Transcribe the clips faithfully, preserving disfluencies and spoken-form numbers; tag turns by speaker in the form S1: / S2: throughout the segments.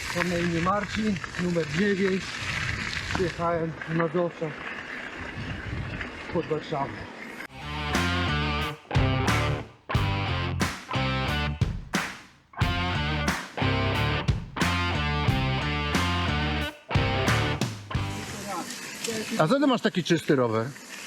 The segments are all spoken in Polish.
S1: Mam na imię Marcin, numer dziewięć. Przyjechałem z Mazowsza pod Warszawę.
S2: A co ty masz taki czysty rower?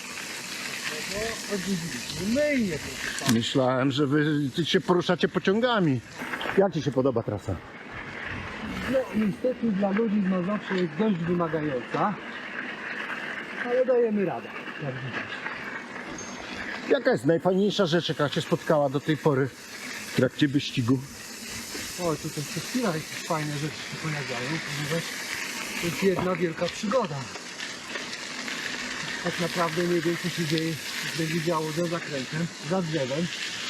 S1: Myję.
S2: Myślałem, że wy się poruszacie pociągami. Jak ci się podoba trasa?
S1: No niestety dla ludzi z Mazowsza jest dość wymagająca, ale dajemy radę, jak widać.
S2: Jaka jest najfajniejsza rzecz, jaka cię spotkała do tej pory w trakcie wyścigu?
S1: O, tutaj co chwila jakieś fajne rzeczy się pojawiają, ponieważ to jest jedna wielka przygoda. Tak naprawdę nie wiem, co się dzieje, będzie działo za zakrętem, za drzewem.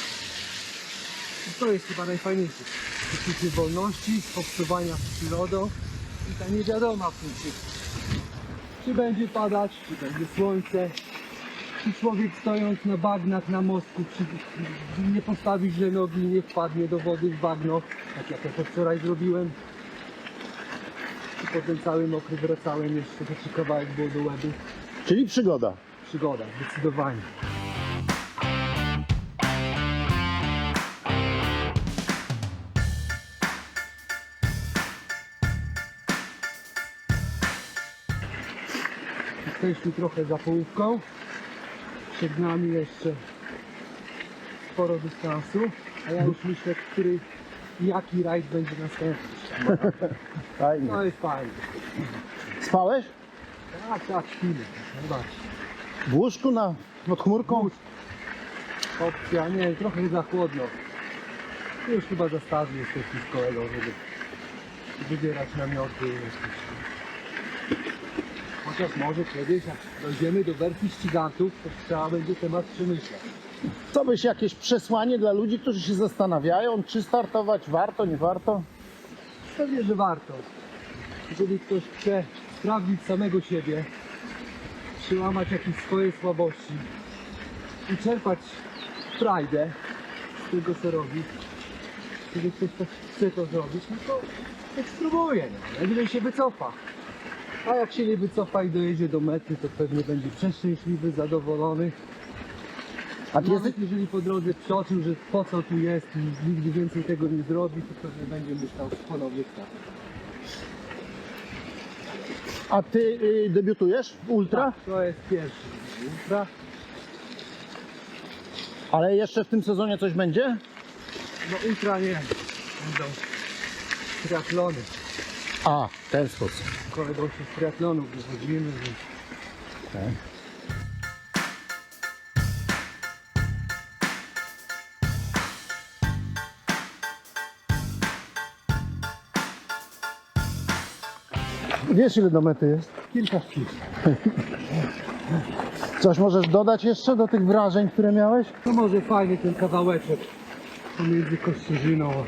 S1: I to jest chyba najfajniejsze. Poczucie wolności, obcowania z przyrodą i ta niewiadoma w tym wszystkim. Czy będzie padać, czy będzie słońce, czy człowiek stojąc na bagnach na mostku przy, nie postawi źle nogi i nie wpadnie do wody w bagno, tak jak ja to wczoraj zrobiłem. I potem cały mokry wracałem jeszcze, bo ci kawałek było do łeby.
S2: Czyli przygoda.
S1: Przygoda, zdecydowanie. Jesteśmy trochę za połówką. Przed nami jeszcze sporo dystansu, a ja już myślę, który jaki rajd będzie następny.
S2: Fajnie.
S1: No jest fajnie.
S2: Spałeś?
S1: Tak, tak, chwilę. Zobaczcie.
S2: W łóżku na, pod chmurką?
S1: Opcja, nie, trochę za chłodno. Już chyba za starzy jesteśmy z kolegą, żeby wybierać namioty. Chociaż może kiedyś, jak dojdziemy do wersji ścigantów, to trzeba będzie temat przemyśleć.
S2: Co byś jakieś przesłanie dla ludzi, którzy się zastanawiają, czy startować warto, nie warto?
S1: Pewnie, że warto. Jeżeli ktoś chce sprawdzić samego siebie, przełamać jakieś swoje słabości i czerpać frajdę z tego, co robi, jeżeli ktoś tak chce to zrobić, no to niech spróbuje, no. Najwyżej się wycofa. A jak się nie wycofa i dojedzie do mety, to pewnie będzie przeszczęśliwy, zadowolony.
S2: A ty jesteś,
S1: Nawet jeżeli po drodze przeoczył, że po co tu jest i nigdy więcej tego nie zrobi, to pewnie będzie myślał ponownie tak.
S2: a ty y, debiutujesz w ultra?
S1: Tak, to jest pierwszy ultra.
S2: Ale jeszcze w tym sezonie coś będzie?
S1: No ultra nie, będą triatlony.
S2: A, w ten sposób.
S1: Kolegą się z triatlonów wychodzimy, więc
S2: Tak. Wiesz, ile do mety jest?
S1: kilka chwil.
S2: Coś możesz dodać jeszcze do tych wrażeń, które miałeś?
S1: No może fajny ten kawałeczek pomiędzy Kościerzyną a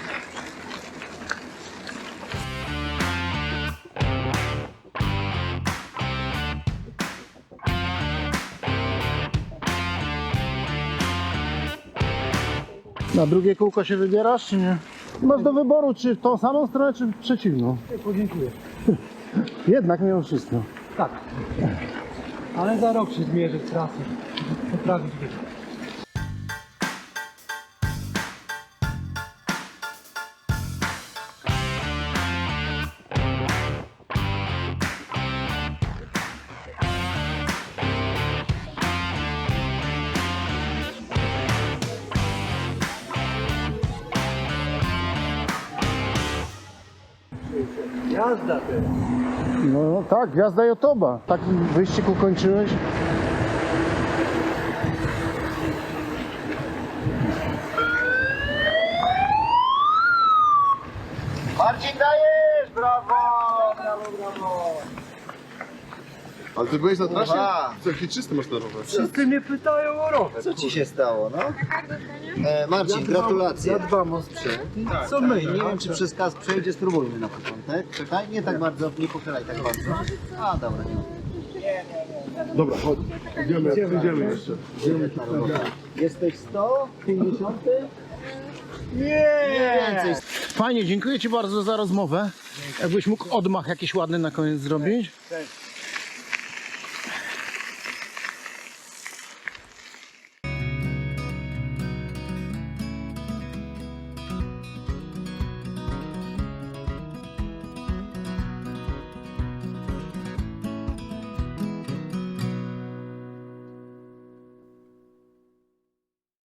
S2: Na drugie kółko się wybierasz, czy nie? Masz do wyboru, czy w tą samą stronę, czy w przeciwną.
S1: Nie, podziękuję.
S2: Jednak mimo wszystko.
S1: Tak. Ale za rok się zmierzę z trasy. Poprawić wynik. Jazda teraz.
S2: No tak, gwiazda Jotoba. Tak wyścig ukończyłeś. Marcin, dajesz! Brawo! Brawo, brawo!
S3: Ale ty byłeś na trasie?
S4: Aha.
S3: Co, jaki czysty masz ten rower?
S1: Wszyscy mnie pytają o rower.
S4: Co ci się stało, no? E, Marcin, gratulacje.
S1: Ja dbam o sprzęt.
S4: Co my? Nie wiem, czy przez kas przejdzie, spróbujmy na początek. Czekaj, nie tak bardzo, nie pochylaj tak bardzo. A, dobra, nie.
S3: Dobra, chodź. Idziemy, idziemy jeszcze.
S4: Jesteś sto pięćdziesiąt?
S1: Nie!
S4: Więcej.
S2: Fajnie, dziękuję Ci bardzo za rozmowę. Jakbyś mógł odmach jakiś ładny na koniec zrobić.
S1: Cześć.